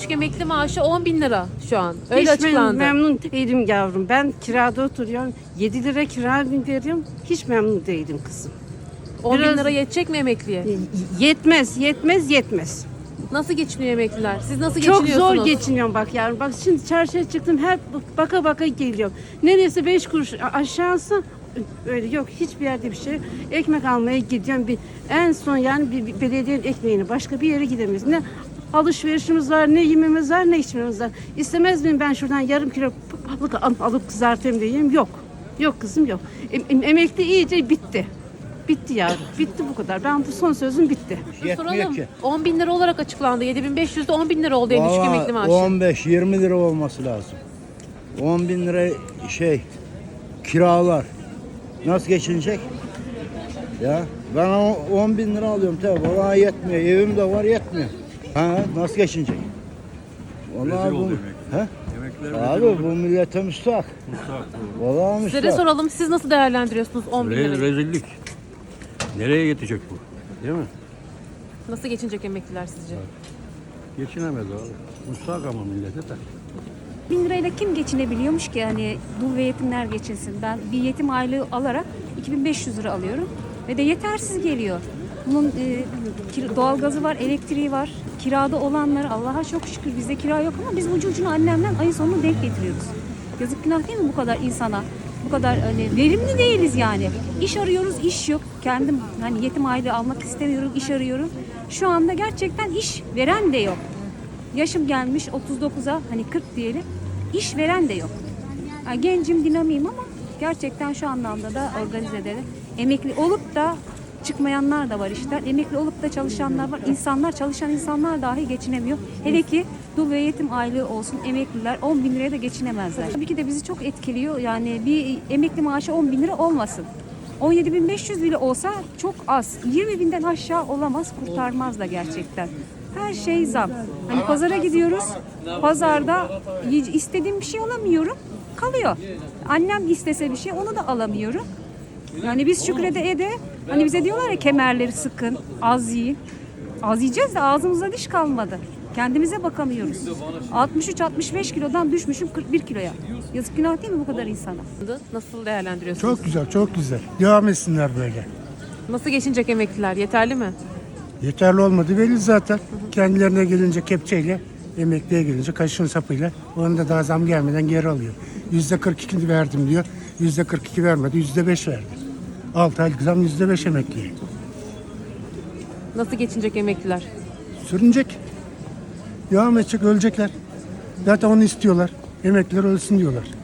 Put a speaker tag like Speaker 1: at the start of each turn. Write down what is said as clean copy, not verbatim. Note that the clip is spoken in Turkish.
Speaker 1: düşük emekli maaşı 10 bin lira şu an. Öyle
Speaker 2: Hiç
Speaker 1: açıklandı.
Speaker 2: memnun değilim yavrum. Ben kirada oturuyorum. 7 lira kira veriyorum. Hiç memnun değilim kızım.
Speaker 1: 10 bin
Speaker 2: biraz-
Speaker 1: lira yetecek mi emekliye?
Speaker 2: Yetmez.
Speaker 1: Nasıl geçiniyor emekliler? Siz nasıl
Speaker 2: Çok
Speaker 1: geçiniyorsunuz?
Speaker 2: zor geçiniyorum bak yavrum. Bak şimdi çarşıya çıktım, hep baka geliyorum. Neresi 5 kuruş aşağısı öyle yok. Hiçbir yerde bir şey yok. Ekmek almaya gidiyorum. En son yani bir belediyenin ekmeğini başka bir yere gidemeyiz. Ne alışverişimiz var, ne yememiz var, ne içmemiz var. İstemez miyim ben şuradan yarım kilo balık alıp kızartayım diyeyim? Yok. Yok kızım yok. Emekli iyice bitti. Bitti yavrum. Bitti bu kadar. Ben bu son sözüm bitti.
Speaker 1: Soralım. 10 bin lira olarak açıklandı. 7500'de 10 bin lira oldu en düşük emekli maaşı.
Speaker 3: 15-20 lira olması lazım. 10 bin lira kiralar. Nasıl geçinecek? Ya ben 10 bin lira alıyorum tabii. Bana yetmiyor. Evim de var yetmiyor. Ha, nasıl geçinecek? Vallahi bu. He? Abi bu millete müstahak. Vallahi
Speaker 1: Size de
Speaker 3: müstahak.
Speaker 1: soralım. Siz nasıl değerlendiriyorsunuz 10 bin lirayı?
Speaker 4: Rezillik. Nereye yetecek bu? Değil mi?
Speaker 1: Nasıl geçinecek emekliler sizce?
Speaker 4: Geçinemez abi. Müstahak ama millete de.
Speaker 5: 1000 lirayla kim geçinebiliyormuş ki, hani dul ve yetimler geçinsin. Ben bir yetim aylığı alarak 2500 lira alıyorum ve de yetersiz geliyor. Bunun doğalgazı var, elektriği var. Kirada olanları Allah'a çok şükür bizde kira yok ama biz ucu ucuna annemden ayın sonunu denk getiriyoruz. Yazık günah değil mi bu kadar insana? Bu kadar hani verimli değiliz yani. İş arıyoruz, iş yok. Kendim hani yetim aylığı almak istemiyorum, iş arıyorum. Şu anda gerçekten iş veren de yok. Yaşım gelmiş 39'a, hani 40 diyelim. İş veren de yok. Yani gencim, dinamiyim ama gerçekten şu anlamda da organizede de emekli olup da çıkmayanlar da var işte. Emekli olup da çalışanlar var. Çalışan insanlar dahi geçinemiyor. Hele ki dul ve yetim aylığı olsun, emekliler 10 bin liraya da geçinemezler. Tabii ki de bizi çok etkiliyor. Yani bir emekli maaşı 10 bin lira olmasın. 17.500 bile olsa çok az. 20 binden aşağı olamaz, kurtarmaz da gerçekten. Her şey zam. Hani pazara gidiyoruz. Pazarda istediğim bir şey alamıyorum. Kalıyor. Annem istese bir şey onu da alamıyorum. Yani biz şükrede hani bize diyorlar ya kemerleri sıkın, az yiyin. Az yiyeceğiz de ağzımızda diş kalmadı. Kendimize bakamıyoruz. 63-65 kilodan düşmüşüm 41 kiloya. Yazık günah değil mi bu kadar insana?
Speaker 1: Nasıl değerlendiriyorsunuz?
Speaker 6: Çok güzel. Devam etsinler böyle.
Speaker 1: Nasıl geçinecek emekliler? Yeterli mi?
Speaker 6: Yeterli olmadı belli zaten. Kendilerine gelince kepçeyle, emekliye gelince kaşın sapıyla. Onu da daha zam gelmeden geri alıyor. %42 verdim diyor. %42 vermedi, %5 verdi. 6 aylık zam %5 emekliye.
Speaker 1: Nasıl geçinecek emekliler?
Speaker 6: Sürünecek. Devam edecek, ölecekler. Zaten onu istiyorlar. Emekliler ölsün diyorlar.